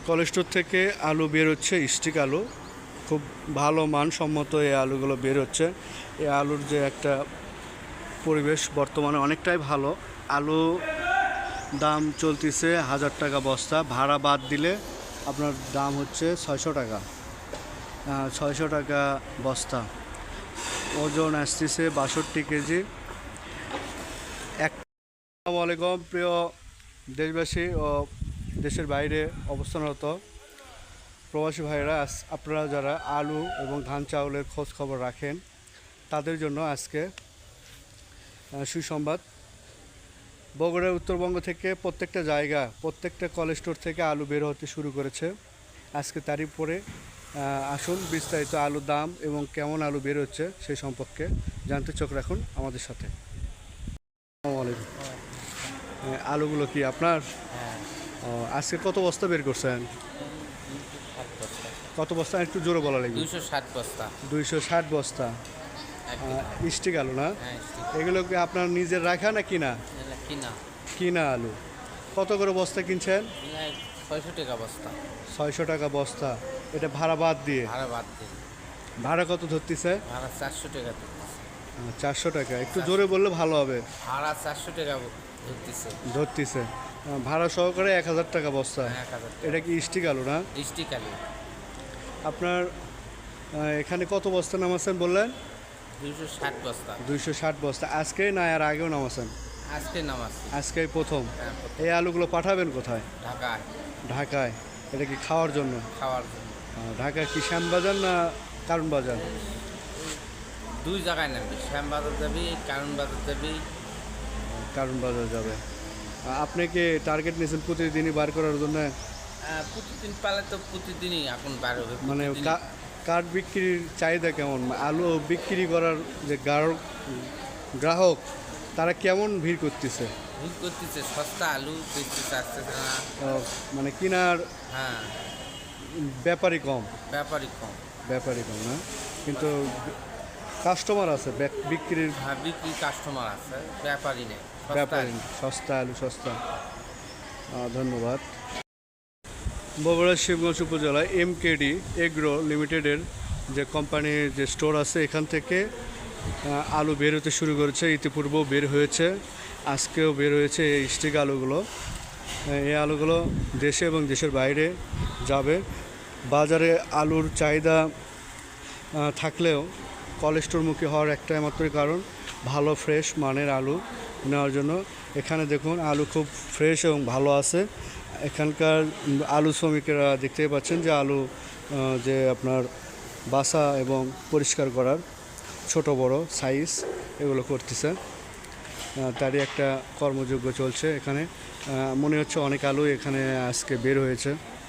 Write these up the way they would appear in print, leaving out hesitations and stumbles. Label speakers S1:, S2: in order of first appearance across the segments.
S1: College store থেকে আলু বের হচ্ছে, স্টিক আলু। খুব ভালো মানসম্মত এই আলুগুলো বের হচ্ছে। এই আলুর যে একটা পরিবেশ বর্তমানে অনেকটাই ভালো। আলু দাম চলতেছে 1000 টাকা বস্তা, ভাড়া বাদ দিলে আপনার দাম হচ্ছে 600 টাকা। 600 টাকা বস্তা, ওজন আসতেছে 62 কেজি। আসসালামু আলাইকুম প্রিয় দেশবাসী ও দেশের বাইরে অবস্থানরত প্রবাসী ভাইরা, আপনারা যারা আলু এবং ধান চাউলের খোঁজ খবর রাখেন তাদের জন্য আজকে সুসংবাদ। বগুড়ার উত্তরবঙ্গ থেকে প্রত্যেকটা জায়গা, প্রত্যেকটা কলেজ স্টোর থেকে আলু বের হতে শুরু করেছে। আজকে তারই পরে আসুন বিস্তারিত আলুর দাম এবং কেমন আলু বের হচ্ছে সেই সম্পর্কে জানতে চোখ রাখুন আমাদের সাথে। আসসালামু আলাইকুম। আলুগুলো কি আপনার? আজকে কত বস্তা বের করছেন? কত বস্তা একটু জোরে বলা লাগবে।
S2: 260 বস্তা।
S1: 260 বস্তা স্টিক আলু না? এগুলো কি আপনার নিজের রাখা না কিনা?
S2: কিনা।
S1: কিনা আলু। কত করে বস্তা কিনছেন?
S2: 600 টাকা বস্তা।
S1: 600 টাকা বস্তা, এটা ভাড়া বাদ দিয়ে?
S2: ভাড়া বাদ দিয়ে।
S1: ভাড়া কত ধরতেছে?
S2: ভাড়া 400 টাকা।
S1: 400 টাকা, একটু জোরে বললে ভালো হবে।
S2: ভাড়া 400 টাকা
S1: ধরতেছে ভাড়া সহকারে 1000 টাকা বস্তা।
S2: 1000 টাকা।
S1: এটা কি স্টিক আলু না?
S2: স্টিক আলু।
S1: আপনার এখানে কত বস্তা নামাচ্ছেন বললেন?
S2: 260 বস্তা।
S1: 260 বস্তা। আজকে না আর আগেও নামাচ্ছেন?
S2: আজকে নামাচ্ছি।
S1: আজকেই প্রথম।
S2: হ্যাঁ,
S1: এই আলুগুলো পাঠাবেন কোথায়?
S2: ঢাকায়।
S1: ঢাকায়। এটা কি খাওয়ার জন্য?
S2: খাওয়ার জন্য।
S1: ঢাকায় কি শ্যামবাজার না কারণ বাজার?
S2: দুই জায়গায় নামবি, শ্যামবাজার যাবি, কারণ বাজার যাবি।
S1: কারণ বাজার যাবে। আপনি কি টার্গেট নিয়েছেন প্রতিদিনই বার করার জন্য?
S2: প্রতিদিন পালে তো প্রতিদিনই এখন বার হবে।
S1: মানে কাঠ বিক্রির চাহিদা কেমন? আলু বিক্রি করার যে গ্রাহক তারা কেমন ভিড় করতেছে?
S2: ভিড় করতেছে, সস্তা আলু বেচতে চাচ্ছে না।
S1: মানে কেনার
S2: হ্যাঁ,
S1: ব্যাপারই কম।
S2: ব্যাপারই কম
S1: না, কিন্তু কাস্টমার আছে বিক্রির।
S2: হ্যাঁ, বিক্রির কাস্টমার আছে, ব্যাপারই নেই।
S1: সস্তা আলু সস্তা। ধন্যবাদ। বগুড়া শিবগঞ্জ উপজেলায় MKD এগ্রো লিমিটেডের যে কোম্পানির যে স্টোর আছে, এখান থেকে আলু বের হতে শুরু করেছে। ইতিপূর্বেও বের হয়েছে, আজকেও বের হয়েছে এই স্টিক আলুগুলো। এই আলুগুলো দেশে এবং দেশের বাইরে যাবে। বাজারে আলুর চাহিদা থাকলেও কলেজ স্টোরমুখী হওয়ার একটাই মাত্রই কারণ, ভালো ফ্রেশ মানের আলু নেওয়ার জন্য। এখানে দেখুন আলু খুব ফ্রেশ এবং ভালো আছে। এখানকার আলু শ্রমিকেরা দেখতেই পাচ্ছেন যে আলু যে আপনার বাসা এবং পরিষ্কার করার ছোট বড় সাইজ এগুলো করতেছে, তারই একটা কর্মযোগ্য চলছে এখানে। মনে হচ্ছে অনেক আলু এখানে আজকে বের হয়েছে।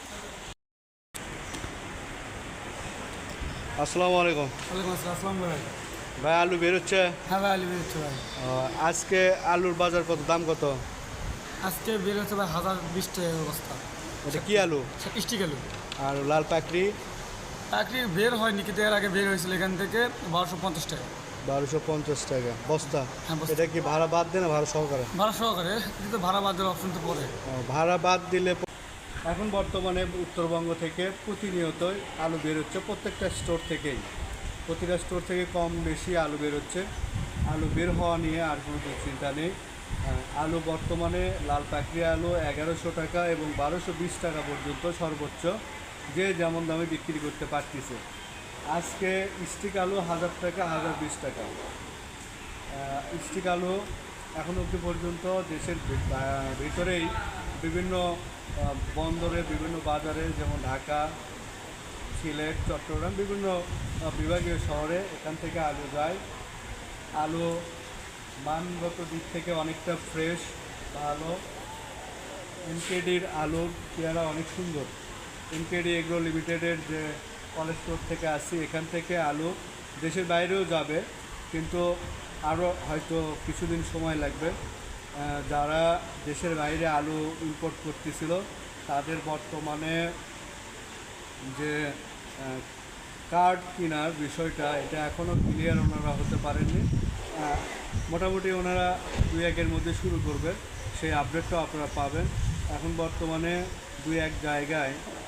S1: আসসালামু আলাইকুম।
S3: ওয়ালাইকুম আসসালাম ভাই।
S1: ভাই আলু বের হচ্ছে?
S3: হ্যাঁ ভাই, আলু বেরোচ্ছে ভাই।
S1: আজকে আলুর বাজার কত, দাম কত?
S3: আজকে বেরোচ্ছে ভাই 1020 টাকা বস্তা।
S1: এটা কি আলু?
S3: স্টিক আলু।
S1: আর লাল পাকড়ি?
S3: পাকড়ি বের হয়নি, কিন্তু এর আগে বের হয়েছিল এখান থেকে 1250 টাকা।
S1: 1250 টাকা বস্তা।
S3: হ্যাঁ, বস্তা।
S1: এটা কি ভাড়া বাদ দেয় না ভাড়া সহকারে?
S3: ভাড়া সহকারে, কিন্তু ভাড়া বাদ দেওয়ার অপশন তো পরে।
S1: ভাড়া বাদ দিলে এখন বর্তমানে উত্তরবঙ্গ থেকে প্রতিনিয়তই আলু বের হচ্ছে, প্রত্যেকটা স্টোর থেকেই, প্রতিটা স্টোর থেকে কম বেশি আলু বের হচ্ছে। আলু বের হওয়া নিয়ে আর কোনো চিন্তা নেই। আলু বর্তমানে লাল পাকড়ি আলু 1100 টাকা এবং 1220 টাকা পর্যন্ত সর্বোচ্চ যে যেমন দামে বিক্রি করতে পারতেছে। আজকে স্টিক আলু 1000 টাকা, 1020 টাকা স্টিক আলু। এখন অবধি পর্যন্ত দেশের ভিতরেই বিভিন্ন বন্দরে, বিভিন্ন বাজারে, যেমন ঢাকা, সিলেট, চট্টগ্রাম, বিভিন্ন বিভাগীয় শহরে এখান থেকে আলু যায়। আলু মানগত দিক থেকে অনেকটা ফ্রেশ, ভালো। MKDর আলুর পেয়ারা অনেক সুন্দর। MKD এগ্রো লিমিটেডের যে কলেজ স্টোর থেকে আসছি, এখান থেকে আলু দেশের বাইরেও যাবে, কিন্তু আরও হয়তো কিছুদিন সময় লাগবে। যারা দেশের বাইরে আলু ইম্পোর্ট করতেছিল তাদের বর্তমানে যে কার্ড কেনার বিষয়টা, এটা এখনও ক্লিয়ার ওনারা হতে পারেননি। মোটামুটি ওনারা 2-1-এর মধ্যে শুরু করবে, সেই আপডেটটাও আপনারা পাবেন। এখন বর্তমানে 2-1 জায়গায়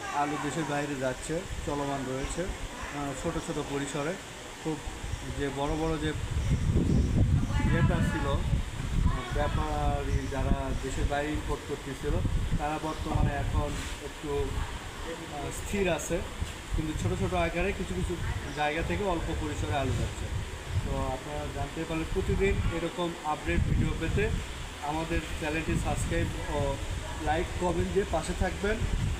S1: আলু দেশের বাইরে যাচ্ছে, চলমান রয়েছে ছোট ছোট পরিসরে। খুব যে বড় বড় যে ইয়েটা ছিল, ব্যাপারী যারা দেশের বাইরে ইম্পোর্ট করতেছিল, তারা বর্তমানে এখন একটু স্থির আছে, কিন্তু ছোট ছোট আকারে কিছু কিছু জায়গা থেকে অল্প পরিসরে আলু যাচ্ছে। তো আপনারা জানতে পারলে প্রতিদিন এরকম আপডেট ভিডিও পেতে আমাদের চ্যানেলটি সাবস্ক্রাইব ও লাইক কমেন্ট দিয়ে পাশে থাকবেন।